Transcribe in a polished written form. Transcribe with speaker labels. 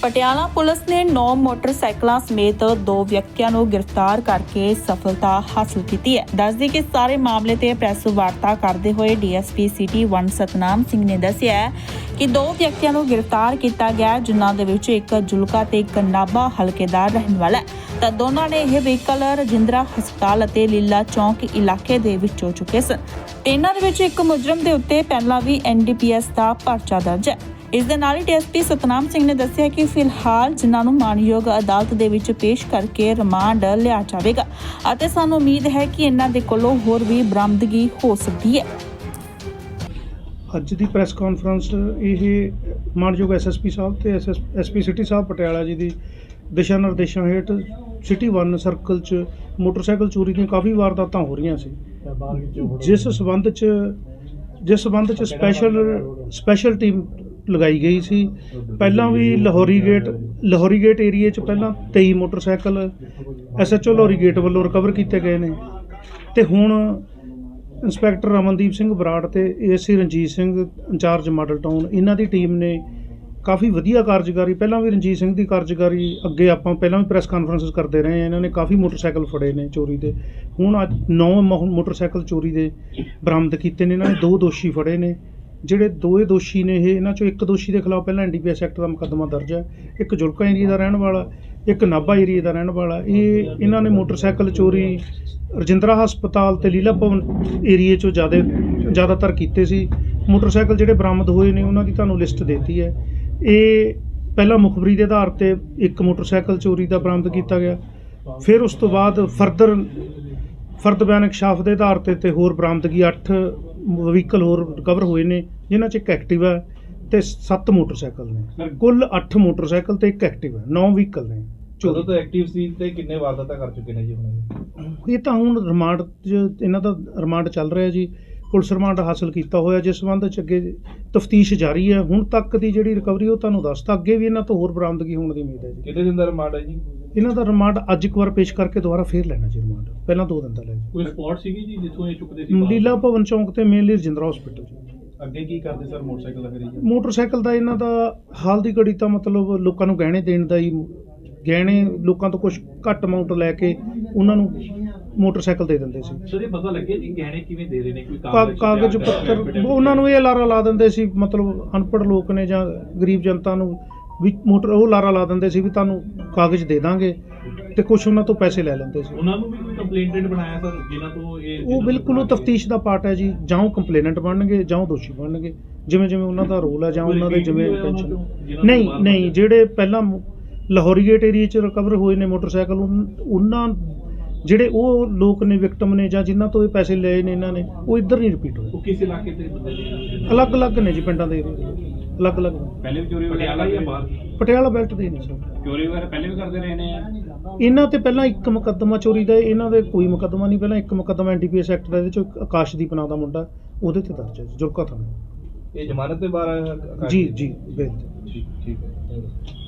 Speaker 1: Patiala police ਨੇ 9 ਮੋਟਰਸਾਈਕਲਾਂ ਸਮੇਤ 2 ਵਿਅਕਤੀਆਂ ਨੂੰ ਗ੍ਰਿਫਤਾਰ ਕਰਕੇ ਸਫਲਤਾ ਹਾਸਲ ਕੀਤੀ ਹੈ। ਦੱਸਦੇ ਕਿ ਸਾਰੇ ਮਾਮਲੇ ਤੇ ਪ੍ਰੈਸ ਵਾਰਤਾ ਕਰਦੇ ਹੋਏ ਡੀਐਸਪੀ ਸਿਟੀ 1 ਸਤਨਾਮ ਸਿੰਘ ਨੇ ਦੱਸਿਆ ਕਿ 2 ਵਿਅਕਤੀਆਂ ਨੂੰ ਗ੍ਰਿਫਤਾਰ ਕੀਤਾ ਗਿਆ, ਜਿਨ੍ਹਾਂ ਦੇ ਵਿੱਚ ਇੱਕ ਜੁਲਕਾ ਤੇ ਇੱਕ ਨਾਭਾ ਹਲਕੇ ਦਾ ਰਹਿਣ ਵਾਲਾ ਹੈ। ਤਾਂ ਦੋਨਾਂ ਨੇ ਇਹ ਵਹੀਕਲ ਰਜਿੰਦਰਾ ਹਸਪਤਾਲ ਅਤੇ ਲੀਲਾ ਚੌਂਕ ਇਲਾਕੇ ਦੇ ਵਿੱਚੋਂ ਚੁੱਕੇ ਸਨ। ਇਹਨਾਂ ਦੇ ਵਿੱਚ ਇੱਕ ਮੁਜਰਮ ਦੇ ਉੱਤੇ ਪਹਿਲਾਂ ਵੀ NDPS ਦਾ ਪਰਚਾ ਦਰਜ ਹੈ। ਇਸ ਦੇ ਨਾਲ ਹੀ ਡੀਐਸਪੀ ਸਤਨਾਮ ਸਿੰਘ ਨੇ ਦੱਸਿਆ ਕਿ ਫਿਲਹਾਲ ਜਿਨ੍ਹਾਂ ਨੂੰ ਮਾਨਯੋਗ ਅਦਾਲਤ ਦੇ ਵਿੱਚ ਪੇਸ਼ ਕਰਕੇ ਰਿਮਾਂਡ ਲਿਆ ਜਾਵੇਗਾ ਅਤੇ ਸਾਨੂੰ ਉਮੀਦ ਹੈ ਕਿ ਇਹਨਾਂ ਦੇ ਕੋਲੋਂ ਹੋਰ ਵੀ ਬਰਾਮਦਗੀ ਹੋ ਸਕਦੀ ਹੈ।
Speaker 2: ਅੱਜ ਦੀ ਪ੍ਰੈਸ ਕਾਨਫਰੰਸ ਇਹ ਮਾਨਯੋਗ ਐਸਐਸਪੀ ਸਾਹਿਬ ਤੇ ਐਸਪੀ ਸਿਟੀ ਸਾਹਿਬ ਪਟਿਆਲਾ ਜੀ ਦੀ ਦਿਸ਼ਾ ਨਿਰਦੇਸ਼ਾਂ ਹੇਠ ਸਿਟੀ 1 ਸਰਕਲ 'ਚ ਮੋਟਰਸਾਈਕਲ ਚੋਰੀ ਦੀਆਂ ਕਾਫੀ ਵਾਰਦਾਤਾਂ ਹੋ ਰਹੀਆਂ ਸੀ, ਜਿਸ ਸਬੰਧ 'ਚ ਸਪੈਸ਼ਲ ਟੀਮ ਲਗਾਈ ਗਈ ਸੀ। ਪਹਿਲਾਂ ਵੀ ਲਾਹੌਰੀ ਗੇਟ ਏਰੀਏ 'ਚ ਪਹਿਲਾਂ 23 ਮੋਟਰਸਾਈਕਲ SHO ਲਾਹੌਰੀ ਗੇਟ ਵੱਲੋਂ ਰਿਕਵਰ ਕੀਤੇ ਗਏ ਨੇ ਤੇ ਹੁਣ ਇੰਸਪੈਕਟਰ ਰਮਨਦੀਪ ਸਿੰਘ ਬਰਾੜ ਤੇ ASC Ranjit Singh incharge model town, ਇਹਨਾਂ ਦੀ ਟੀਮ ਨੇ ਕਾਫੀ ਵਧੀਆ ਕਾਰਜਕਾਰੀ, ਪਹਿਲਾਂ ਵੀ ਰਣਜੀਤ ਸਿੰਘ ਦੀ ਕਾਰਜਕਾਰੀ ਅੱਗੇ ਆਪਾਂ ਪਹਿਲਾਂ ਵੀ ਪ੍ਰੈਸ ਕਾਨਫਰੰਸਿਸ ਕਰਦੇ ਰਹੇ ਹਾਂ। ਇਹਨਾਂ ਨੇ ਕਾਫੀ ਮੋਟਰਸਾਈਕਲ ਫੜੇ ਨੇ ਚੋਰੀ ਦੇ। ਹੁਣ ਅੱਜ 9 ਮੋਟਰਸਾਈਕਲ ਚੋਰੀ ਦੇ ਬਰਾਮਦ ਕੀਤੇ ਨੇ। ਇਹਨਾਂ ਨੇ 2 ਦੋਸ਼ੀ ਫੜੇ ਨੇ। ਜਿਹੜੇ 2 ਦੋਸ਼ੀ ਨੇ ਇਹਨਾਂ ਚੋਂ ਇੱਕ ਦੋਸ਼ੀ ਦੇ ਖਿਲਾਫ ਪਹਿਲਾਂ NDPS ਐਕਟ ਦਾ ਮੁਕੱਦਮਾ ਦਰਜ ਹੈ। ਇੱਕ ਜੁਲਕਾ ਏਰੀਆ ਦਾ ਰਹਿਣ ਵਾਲਾ, ਇੱਕ ਨਾਭਾ ਏਰੀਆ ਦਾ ਰਹਿਣ ਵਾਲਾ। ਇਹਨਾਂ ਨੇ ਮੋਟਰਸਾਈਕਲ ਚੋਰੀ ਰਜਿੰਦਰਾ ਹਸਪਤਾਲ ਤੇ ਲੀਲਾ ਭਵਨ ਏਰੀਏ 'ਚੋਂ ਜ਼ਿਆਦਾਤਰ ਕੀਤੇ ਸੀ। ਮੋਟਰਸਾਈਕਲ ਜਿਹੜੇ ਬਰਾਮਦ ਹੋਏ ਨੇ ਉਹਨਾਂ ਦੀ ਤੁਹਾਨੂੰ ਲਿਸਟ ਦੇਤੀ ਹੈ। ਇਹ ਪਹਿਲਾਂ ਮੁਖਬਰੀ ਦੇ ਆਧਾਰ ਤੇ ਇੱਕ ਮੋਟਰਸਾਈਕਲ ਚੋਰੀ ਦਾ ਬਰਾਮਦ ਕੀਤਾ ਗਿਆ, ਫਿਰ ਉਸ ਤੋਂ ਬਾਅਦ ਫਰਦ ਬਿਆਨ ਇਨਕਸ਼ਾਫ ਦੇ ਆਧਾਰ ਤੇ ਹੋਰ ਬਰਾਮਦਗੀ 8 ਵਹੀਕਲ ਹੋਰ ਰਿਕਵਰ ਹੋਏ ਨੇ, ਜਿਨ੍ਹਾਂ 'ਚ ਇੱਕ ਐਕਟਿਵਾ ਤੇ 7 ਮੋਟਰਸਾਈਕਲ ਨੇ। ਕੁੱਲ 8 ਮੋਟਰਸਾਈਕਲ ਤੇ ਇੱਕ ਐਕਟਿਵਾ, 9 ਵਹੀਕਲ ਨੇ।
Speaker 3: ਜਦੋਂ ਤੋਂ ਐਕਟਿਵ ਸੀ ਤੇ ਕਿੰਨੇ ਵਾਰਦਾਤਾਂ ਕਰ ਚੁੱਕੇ ਨੇ ਜੀ ਹੁਣ?
Speaker 2: ਇਹ ਤਾਂ ਹੁਣ ਰਿਮਾਂਡ 'ਚ ਇਹਨਾਂ ਦਾ ਰਿਮਾਂਡ ਚੱਲ ਰਿਹਾ ਜੀ, ਪੁਲਿਸ ਰਿਮਾਂਡ ਹਾਸਲ ਕੀਤਾ ਹੋਇਆ, ਜਿਸ ਸੰਬੰਧ 'ਚ ਅੱਗੇ ਤਫਤੀਸ਼ ਜਾਰੀ ਹੈ। ਹੁਣ ਤੱਕ ਦੀ ਜਿਹੜੀ ਰਿਕਵਰੀ ਉਹ ਤੁਹਾਨੂੰ ਦੱਸਤਾ, ਅੱਗੇ ਵੀ ਇਹਨਾਂ ਤੋਂ ਹੋਰ ਬਰਾਮਦਗੀ ਹੋਣ ਦੀ ਉਮੀਦ ਹੈ ਜੀ।
Speaker 3: ਕਿੰਨੇ ਦਿਨ ਦਾ ਰਿਮਾਂਡ ਹੈ ਜੀ
Speaker 2: ਇਹਨਾਂ ਦਾ? ਰਿਮਾਂਡ ਅੱਜ ਇੱਕ ਵਾਰ ਪੇਸ਼ ਕਰਕੇ ਦੁਬਾਰਾ ਫੇਰ ਲੈਣਾ ਜੀ ਰਿਮਾਂਡ, ਪਹਿਲਾਂ 2 ਦਿਨ ਦਾ ਲੈ ਜੀ।
Speaker 3: ਕੋਈ ਸਪੌਟ ਸੀਗੀ ਜੀ ਜਿੱਥੋਂ ਇਹ ਚੁੱਕਦੇ ਸੀ?
Speaker 2: ਲੀਲਾ ਭਵਨ ਚੌਂਕ ਤੇ ਮੇਨਲੀ ਰਜਿੰਦਰਾ ਹਸਪੀਟਲ ਜੀ।
Speaker 3: ਅੱਗੇ ਕੀ ਕਰਦੇ ਸਰ ਮੋਟਰਸਾਈਕਲ ਦਾ? ਫਿਰ
Speaker 2: ਮੋਟਰਸਾਈਕਲ ਦਾ ਇਹਨਾਂ ਦਾ ਹਾਲ ਦੀ ਘੜੀ ਤਾਂ ਮਤਲਬ ਲੋਕਾਂ ਨੂੰ ਗਹਿਣੇ ਦੇਣ ਦਾ ਹੀ, ਗਹਿਣੇ ਲੋਕਾਂ ਤੋਂ ਕੁਝ ਘੱਟ ਅਮਾਊਂਟ ਲੈ ਕੇ ਉਹਨਾਂ ਨੂੰ ਮੋਟਰਸਾਈਕਲ ਦੇ ਦਿੰਦੇ ਸੀ।
Speaker 3: ਸਰ ਇਹ ਪਤਾ ਲੱਗਿਆ ਜੀ ਗਹਿਣੇ ਕਿਵੇਂ ਦੇ ਰਹੇ ਨੇ? ਕੋਈ
Speaker 2: ਕਾਗਜ਼ ਪੱਤਰ ਉਹਨਾਂ ਨੂੰ ਇਹ ਲਾਰਾ ਲਾ ਦਿੰਦੇ ਸੀ, ਮਤਲਬ ਅਨਪੜ੍ਹ ਲੋਕ ਨੇ ਜਾਂ ਗਰੀਬ ਜਨਤਾ ਨੂੰ ਵੀ ਉਹ ਲਾਰਾ ਲਾ ਦਿੰਦੇ ਸੀ ਵੀ ਤੁਹਾਨੂੰ ਕਾਗਜ਼ ਦੇ ਦਾਂਗੇ ਤੇ ਕੁਝ ਉਹਨਾਂ ਤੋਂ ਪੈਸੇ ਲੈ ਲੈਂਦੇ ਸੀ।
Speaker 3: ਉਹਨਾਂ ਨੂੰ ਵੀ ਕੋਈ ਕੰਪਲੇਂਟਡ ਬਣਾਇਆ ਸਰ ਜਿਨ੍ਹਾਂ ਤੋਂ ਇਹ?
Speaker 2: ਉਹ ਬਿਲਕੁਲ ਉਹ ਤਫਤੀਸ਼ ਦਾ ਪਾਰਟ ਹੈ ਜੀ, ਜਾਂ ਉਹ ਕੰਪਲੇਨੈਂਟ ਬਣਨਗੇ ਜਾਂ ਉਹ ਦੋਸ਼ੀ ਬਣਨਗੇ, ਜਿਵੇਂ ਉਹਨਾਂ ਦਾ ਰੋਲ ਹੈ ਜਾਂ ਉਹਨਾਂ ਦੇ ਜਿਵੇਂ ਇੰਟੈਂਸ਼ਨ। ਨਹੀਂ, ਜਿਹੜੇ ਪਹਿਲਾਂ ਲਾਹੌਰੀ ਗੇਟ ਏਰੀਆ 'ਚ ਰਿਕਵਰ ਹੋਏ ਨੇ ਮੋਟਰਸਾਈਕਲ, ਉਹਨਾਂ ਜਿਹੜੇ ਉਹ ਲੋਕ ਨੇ ਵਿਕਟਮ ਨੇ ਜਾਂ ਜਿਨ੍ਹਾਂ ਤੋਂ ਇਹ ਪੈਸੇ ਲਏ ਨੇ ਇਹਨਾਂ ਨੇ, ਉਹ ਇੱਧਰ ਨਹੀਂ ਰਿਪੀਟ ਹੋਏ।
Speaker 3: ਉਹ ਕਿਸ ਇਲਾਕੇ ਤੇ ਬੰਦੇ ਨੇ?
Speaker 2: ਅਲੱਗ-ਅਲੱਗ ਨੇ ਜੀ, ਪਿੰਡਾਂ ਦੇ ਅਲੱਗ-ਅਲੱਗ।
Speaker 3: ਪਹਿਲੇ ਵੀ ਚੋਰੀ ਪਟਿਆਲਾ ਜਾਂ ਬਾਹਰ?
Speaker 2: ਪਟਿਆਲਾ ਬੈਲਟ ਦੇ ਨੇ ਸਰ।
Speaker 3: ਚੋਰੀ ਵਗੈਰਾ ਪਹਿਲੇ ਵੀ ਕਰਦੇ ਰਹੇ ਨੇ?
Speaker 2: ਇਹਨਾਂ ਤੇ ਪਹਿਲਾਂ ਇੱਕ ਮੁਕੱਦਮਾ ਚੋਰੀ ਦਾ, ਇਹਨਾਂ ਦੇ ਕੋਈ ਮੁਕੱਦਮਾ ਨਹੀਂ, ਪਹਿਲਾਂ ਇੱਕ ਮੁਕੱਦਮਾ NDPS ਐਕਟ ਦਾ, ਇਹਦੇ 'ਚ ਆਕਾਸ਼ਦੀਪ ਨਾਂ ਦਾ ਮੁੰਡਾ, ਉਹਦੇ ਤੇ ਦਰਜ ਹੈ ਜੁਲਕਾ ਥਾਣੇ।
Speaker 3: ਇਹ ਜ਼ਮਾਨਤ ਤੇ ਬਾਹਰ?
Speaker 2: ਜੀ ਬੇਲ।
Speaker 3: ਠੀਕ ਹੈ।